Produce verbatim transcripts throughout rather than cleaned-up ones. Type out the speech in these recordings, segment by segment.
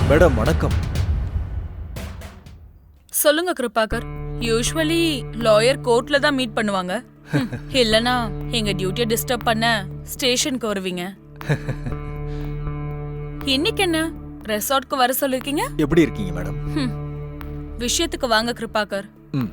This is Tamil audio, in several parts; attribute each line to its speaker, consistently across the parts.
Speaker 1: மேடம் வணக்கம்.
Speaker 2: சொல்லுங்க கிருபாகர். யூசுவலி லாயர் கோர்ட்ல தான் மீட் பண்ணுவாங்க. ஹம், இல்லனா எங்க டியூட்டியை டிஸ்டர்ப் பண்ண ஸ்டேஷனுக்கு வருவீங்க. இன்னைக்கு என்ன ரெசார்ட்க்கு வர சொல்லிருக்கீங்க?
Speaker 1: எப்படி இருக்கீங்க மேடம்?
Speaker 2: ஹம், விஷயத்துக்கு வாங்க கிருபாகர்.
Speaker 1: ம்.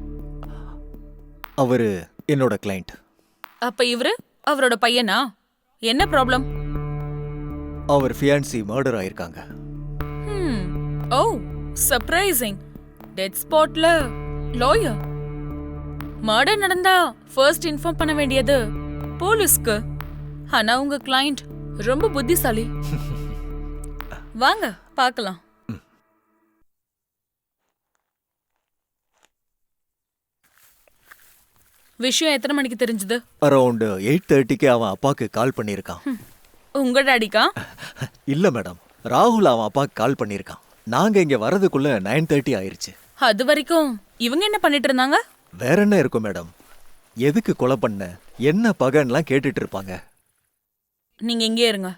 Speaker 1: அவரு என்னோட கிளையண்ட்.
Speaker 2: அப்ப இவரு அவரோட பையனா? என்ன ப்ராப்ளம்?
Speaker 1: அவர் ஃபியான்சி மர்டர் ஆயிருக்காங்க.
Speaker 2: Hmm, oh surprising. டெத் ஸ்பாட்ல லாயர். மர்டர் நடந்தா ஃபர்ஸ்ட் இன்ஃபார்ம் பண்ண வேண்டியது போலீஸ்க்கு. ஆனா உங்க கிளையண்ட் ரொம்ப புத்திசாலி. வாங்க பார்க்கலாம். விஷயம் எத்தனை மணிக்கு தெரிஞ்சது?
Speaker 1: அரௌண்ட் எயிட் தேர்ட்டிக்கு அவன் அப்பாக்கு கால் பண்ணியிருக்கான்.
Speaker 2: உங்க டாடிக்கா?
Speaker 1: இல்ல மேடம், ராகுல் அவன் அப்பாக்கு கால் பண்ணியிருக்கான். நாங்க இங்க வரதுக்குள்ள நைன் தேர்ட்டி ஆயிருச்சு.
Speaker 2: அது வரைக்கும் இவங்க என்ன பண்ணிட்டு இருந்தாங்க?
Speaker 1: வேற என்ன இருக்கும் மேடம்? எதுக்கு கொலை பண்ண, என்ன பகன்லாம் கேட்டுட்டு இருப்பாங்க.
Speaker 2: நீங்க இங்கே இருங்க.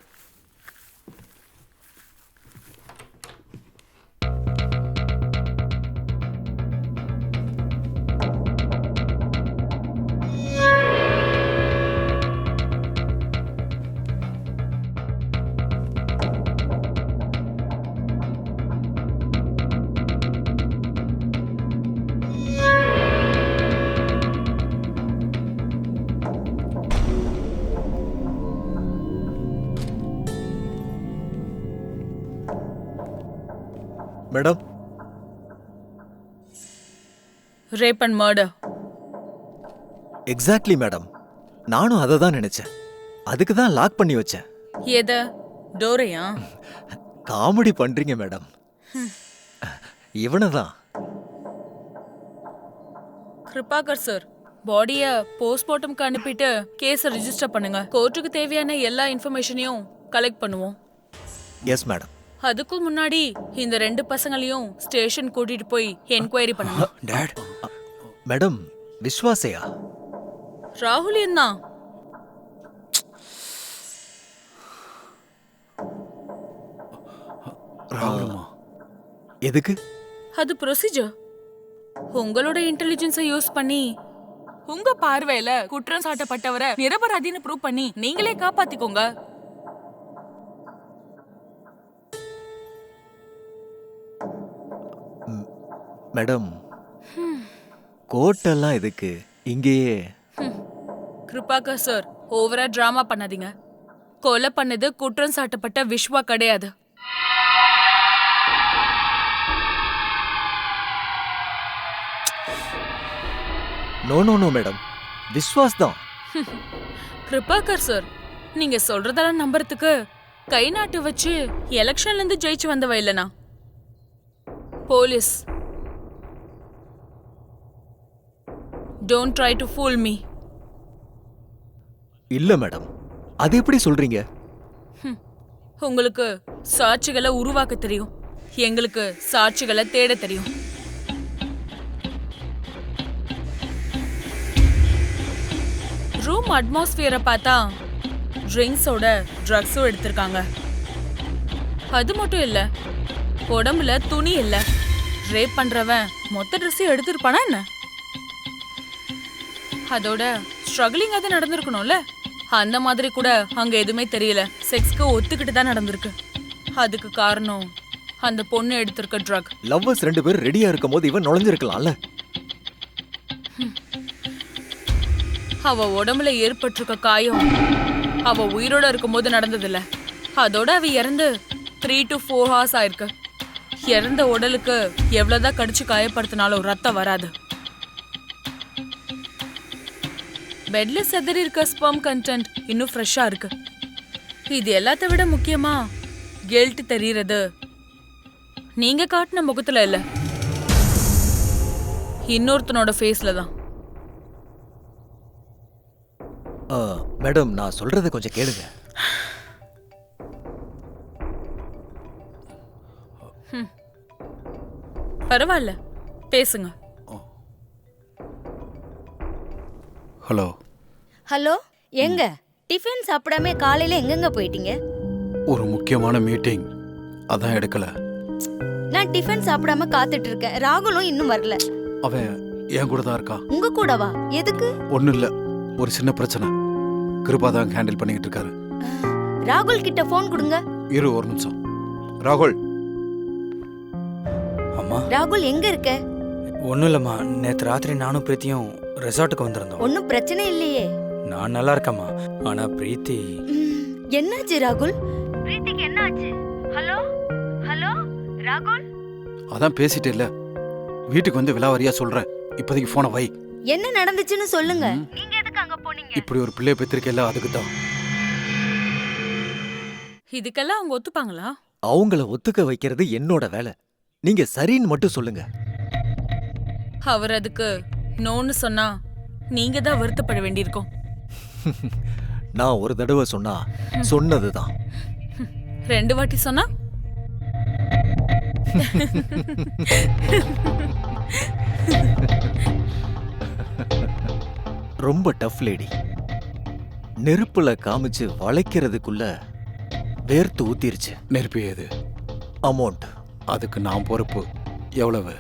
Speaker 1: Madam,
Speaker 2: rape and murder.
Speaker 1: Exactly madam. நானும் அதை தான் நினைச்சேன். அதுக்கு தான் லாக் பண்ணி வச்சேன்.
Speaker 2: எத? டோரையா?
Speaker 1: காமெடி பண்றீங்க மேடம். இவனை தான்.
Speaker 2: கிருபாகர் சார், பாடிய போஸ்ட்மார்ட்டம்க்கு அனுப்பிட்டு கேஸை ரெஜிஸ்டர் பண்ணுங்க. கோர்ட்டுக்கு தேவையான எல்லா இன்ஃபர்மேஷனையும் கலெக்ட் பண்ணுவோம்.
Speaker 1: Yes madam.
Speaker 2: அதுக்கு முன்னாடி இந்த ரெண்டு பசங்களையும் ஸ்டேஷன் கூட்டிட்டு போய் என்கொயரி பண்ணுங்க.
Speaker 1: டாட். மேடம், விஸ்வாசையா?
Speaker 2: ராகுல் என்ன?
Speaker 1: எதுக்கு?
Speaker 2: அது ப்ரொசீஜர். உங்களோட இன்டெலிஜென்ஸை யூஸ் பண்ணி உங்க பார்வையில குற்றம் சாட்டப்பட்டவரை நிரபராதின்னு ப்ரூவ் பண்ணி நீங்களே காப்பாத்திக்கோங்க.
Speaker 1: மேடம், கோர்ட்டெல்லாம் எதுக்கு? இங்கேயே.
Speaker 2: கிருபாகர் சார், ஓவரா டிராமா பண்ணாதீங்க. கொலை பண்ணது குற்றம் சாட்டப்பட்ட விஸ்வா கிடையாது.
Speaker 1: No no no madam, Vishwas தான்.
Speaker 2: கிருபாகர் சார், நீங்க சொல்றதெல்லாம் நம்புறதுக்கு கை நாட்டு வச்சு எலெக்ஷன்ல இருந்து ஜெயிச்சு வந்தவ இல்லனா police. Don't try to fool me.
Speaker 1: இல்ல மேடம், அது எப்படி சொல்றீங்க?
Speaker 2: உங்களுக்கு சாட்சிகளை உருவாக்க தெரியும், எங்களுக்கு சாட்சிகளை தேட தெரியும். ரூம் அட்மாஸ்பியரை பார்த்தா ட்ரிங்க்ஸோட ட்ரக்ஸும் எடுத்திருக்காங்க. அது மட்டும் இல்ல, உடம்புல துணி இல்ல. ரேப் பண்றவன் மொத்த ட்ரெஸ்ஸையும் எடுத்திருப்பானா என்ன? அதோட ஸ்ட்ரகிளிங் அது நடந்திருக்கணும்ல. அந்த மாதிரி கூட அங்க எதுவுமே தெரியல. செக்ஸ்க்கு ஒத்துக்கிட்டு தான் நடந்திருக்கு. அதுக்கு காரணம் அந்த பொண்ணு எடுத்திருக்க ட்ரக்.
Speaker 1: லவ்வர்ஸ் ரெண்டு பேரும் ரெடியா இருக்கும் போது இவன் நுழைஞ்சிருக்கலாம்ல.
Speaker 2: அவ உடம்புல ஏற்பட்டிருக்க காயம் அவ உயிரோட இருக்கும் போது நடந்ததில்ல. அதோட அவ இறந்து த்ரீ டு ஃபோர் ஹவர்ஸ் ஆயிருக்கு. இறந்த உடலுக்கு எவ்வளவுதான் கடிச்சு காயப்படுத்தினாலும் ரத்தம் வராது. பெட்ல செதறி இருக்க ஸ்பெர்ம் கண்டென்ட் இன்னும் ஃப்ரெஷ்ஷா இருக்கு. இது எல்லாத்த விட முக்கியமா கில்ட் தெரியறது நீங்க காட்டின முகத்துல இல்ல, இன்னொருத்தனோட ஃபேஸ்ல தான்.
Speaker 1: மேடம், நான் சொல்றத கொஞ்சம் கேளுங்க.
Speaker 2: பரவாயில்ல, பேசுங்க.
Speaker 3: ஹலோ.
Speaker 4: ஹலோ, எங்க டிஃபன் சாப்பிடாம காலையில எங்கெங்க போயிட்டீங்க?
Speaker 3: ஒரு முக்கியமான மீட்டிங், அதான் எடுக்கல.
Speaker 4: நான் டிஃபன் சாப்பிடாம காத்துட்டு இருக்கேன். ராகுலும் இன்னும் வரல.
Speaker 3: அவன் என் கூட தான் இருக்கான்.
Speaker 4: உங்க கூடவா? எதுக்கு?
Speaker 3: ஒன்றும் இல்லை, ஒரு சின்ன பிரச்சனை. கிருபா தான் ஹேண்டில் பண்ணிக்கிட்டு இருக்காரு.
Speaker 4: ராகுல் கிட்ட ஃபோன் கொடுங்க.
Speaker 3: இரு ஒரு நிமிஷம். ராகுல்.
Speaker 5: அம்மா
Speaker 4: ராகுல் எங்க இருக்க?
Speaker 5: ஒன்றும் இல்லைம்மா, நேற்று ராத்திரி நானும் பிரீத்தியும் ரெசார்ட்டுக்கு வந்திருந்தோம்.
Speaker 4: ஒன்னும் பிரச்சனை இல்லையே.
Speaker 5: நான் நல்லா இருக்கேம்மா, ஆனா பிரீத்தி.
Speaker 4: ம், என்னாச்சு ராகுல்? பிரீத்திக்கு என்னாச்சு? ஹலோ ஹலோ ராகுல்,
Speaker 3: அதான் பேசிட்டே இல்ல, வீட்டுக்கு வந்து விலாவரியா சொல்றேன். இப்போதைக்கு போனை வை.
Speaker 4: என்ன நடந்துச்சுன்னு சொல்லுங்க. நீங்க எதுக்கு அங்க போனீங்க?
Speaker 3: இப்படி ஒரு பிள்ளைய பெற்றிருக்கல, அதுக்கு தான்.
Speaker 2: இதுக்கெல்லாம் அவங்க ஒத்துப்பாங்களா?
Speaker 1: அவங்கள ஒத்துக்க வைக்கிறது என்னோட வேலை. நீங்க சரின்னு மட்டும் சொல்லுங்க.
Speaker 2: அவர் அதுக்கு நோன்னு சொன்னா நீங்க தான் வருத்தப்பட வேண்டியிருக்கும்.
Speaker 1: நான் ஒரு தடவை சொன்னா சொன்னதுதான்.
Speaker 2: ரெண்டு வாட்டி சொன்னா
Speaker 1: ரொம்ப டஃப் லேடி. நெருப்புல காமிச்சு வளைக்கிறதுக்குள்ள வேர்த்து ஊத்திருச்சு.
Speaker 3: நெருப்பு ஏது?
Speaker 1: அமௌண்ட்.
Speaker 3: அதுக்கு நான் பொறுப்பு. எவ்வளவு?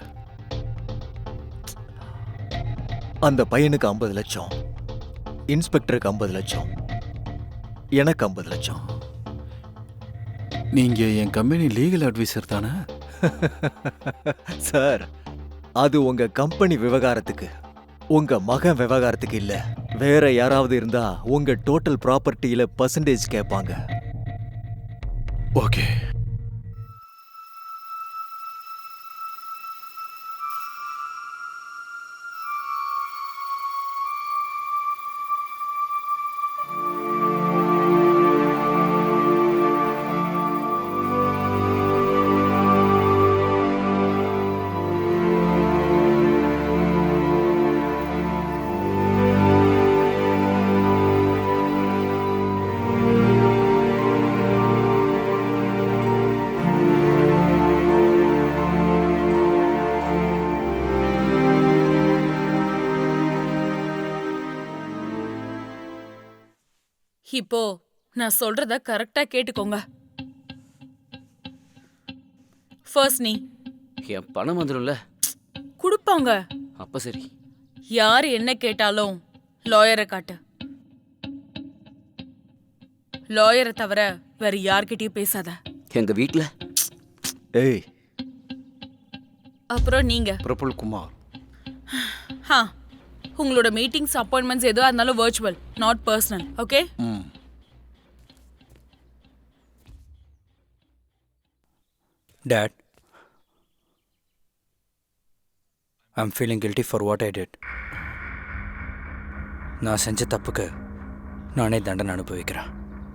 Speaker 1: அந்த பையனுக்கு ஐம்பது லட்சம், இன்ஸ்பெக்டருக்கு ஐம்பது லட்சம், எனக்கு ஐம்பது லட்சம்.
Speaker 3: நீங்க என் கம்பெனி லீகல் அட்வைசர் தானே?
Speaker 1: சார், அது உங்க கம்பெனி விவகாரத்துக்கு, உங்க மகன் விவகாரத்துக்கு இல்ல. வேற யாராவது இருந்தா உங்க டோட்டல் ப்ராப்பர்ட்டியில பர்சன்டேஜ் கேட்பாங்க.
Speaker 3: ஓகே.
Speaker 2: இப்போ நான் சொல்றத கரெக்டா கேட்டுக்கோங்க. ஃபர்ஸ்ட் நீ
Speaker 6: என் பணம் வந்துடும்ல.
Speaker 2: கொடுப்பாங்க.
Speaker 6: அப்ப சரி.
Speaker 2: யார் என்ன கேட்டாலும் லாயரை காட்டு. லாயரை தவிர வேற யார்கிட்டயும் பேசாத.
Speaker 6: எங்க வீட்ல
Speaker 1: ஏய்,
Speaker 2: அப்புறம் நீங்க
Speaker 3: பிரபுல் குமார்.
Speaker 2: ஹா, உங்களோட மீட்டிங்ஸ் அப்பாயின்மெண்ட்ஸ் எதுவாக இருந்தாலும் virtual, not personal. Okay?
Speaker 3: Hmm.
Speaker 5: Dad, I'm feeling guilty for what I did. நான் செஞ்ச தப்புக்கு நானே தண்டனை அனுபவிக்கிறேன்.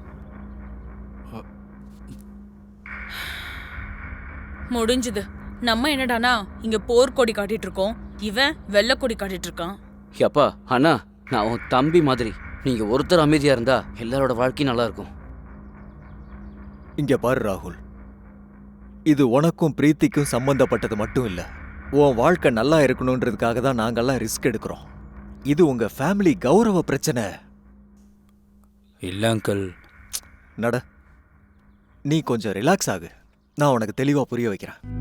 Speaker 2: முடிஞ்சுது. நம்ம என்னடானா இங்க போர்க்கொடி காட்டிட்டு இருக்கோம், இவன் வெள்ளக்கொடி காட்டிட்டு இருக்கான்.
Speaker 6: அப்பா அண்ணா, நான் உன் தம்பி மாதிரி. நீங்க ஒருத்தர் அமைதியா இருந்தா எல்லாரோட வாழ்க்கையும் நல்லா இருக்கும்.
Speaker 1: இங்க பாரு ராகுல், இது உனக்கும் பிரீத்திக்கும் சம்பந்தப்பட்டது மட்டும் இல்ல. உன் வாழ்க்கை நல்லா இருக்கணும்ன்றதுக்காக தான் நாங்கெல்லாம் ரிஸ்க் எடுக்கிறோம். இது உங்க ஃபேமிலி கௌரவ பிரச்சனை.
Speaker 5: இல்லை அங்கிள்.
Speaker 1: நட, நீ கொஞ்சம் ரிலாக்ஸ் ஆகு. நான் உனக்கு தெளிவா புரிய வைக்கிறேன்.